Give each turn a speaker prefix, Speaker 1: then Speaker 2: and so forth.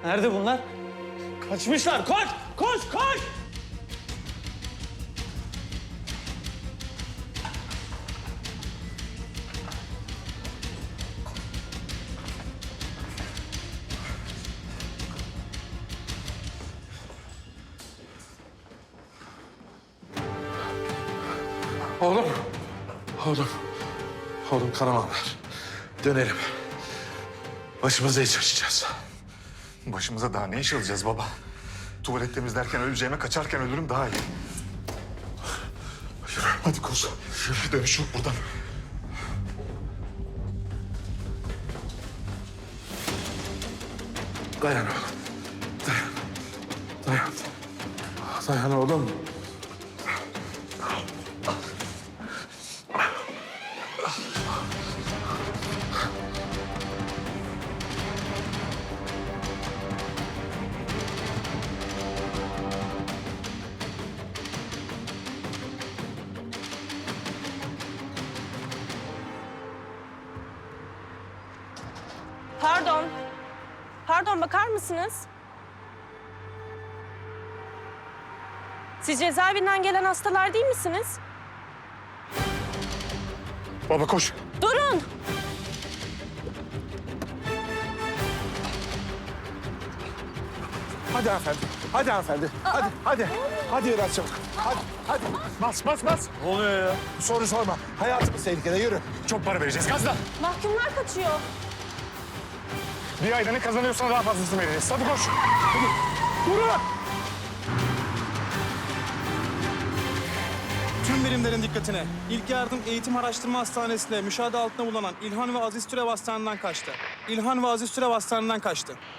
Speaker 1: Nerede bunlar? Kaçmışlar. Koş! Koş! Koş!
Speaker 2: Oğlum. Oğlum. Oğlum kanamam ver. Dönelim. Başımıza iş açacağız.
Speaker 3: Başımıza daha ne iş alacağız baba? Tuvalet temizlerken öleceğime kaçarken ölürüm daha iyi.
Speaker 2: Yürü.
Speaker 3: Hadi koş. Yürü, dönüş yok buradan.
Speaker 2: Dayan oğlum. Dayan. Dayan. Dayan oğlum.
Speaker 4: Pardon. Pardon, bakar mısınız? Siz cezaevinden gelen hastalar değil misiniz?
Speaker 3: Baba koş.
Speaker 4: Durun!
Speaker 2: Hadi hanımefendi. Hadi hanımefendi. Hadi. Hadi. Hadi biraz çabuk. Hadi. Hadi.
Speaker 3: Bas bas bas.
Speaker 2: Ne oluyor ya? Soru sorma. Hayatımız tehlikede. Yürü.
Speaker 3: Çok para vereceğiz gazla.
Speaker 4: Mahkumlar kaçıyor.
Speaker 3: Bir ayda ne kazanıyorsan daha fazlasını veririz. Hadi koş.
Speaker 5: Tüm birimlerin dikkatine. İlk Yardım Eğitim Araştırma Hastanesi'nde müşahede altında bulunan İlhan ve Aziz Türev Hastanesi'nden kaçtı. İlhan ve Aziz Türev Hastanesi'nden kaçtı.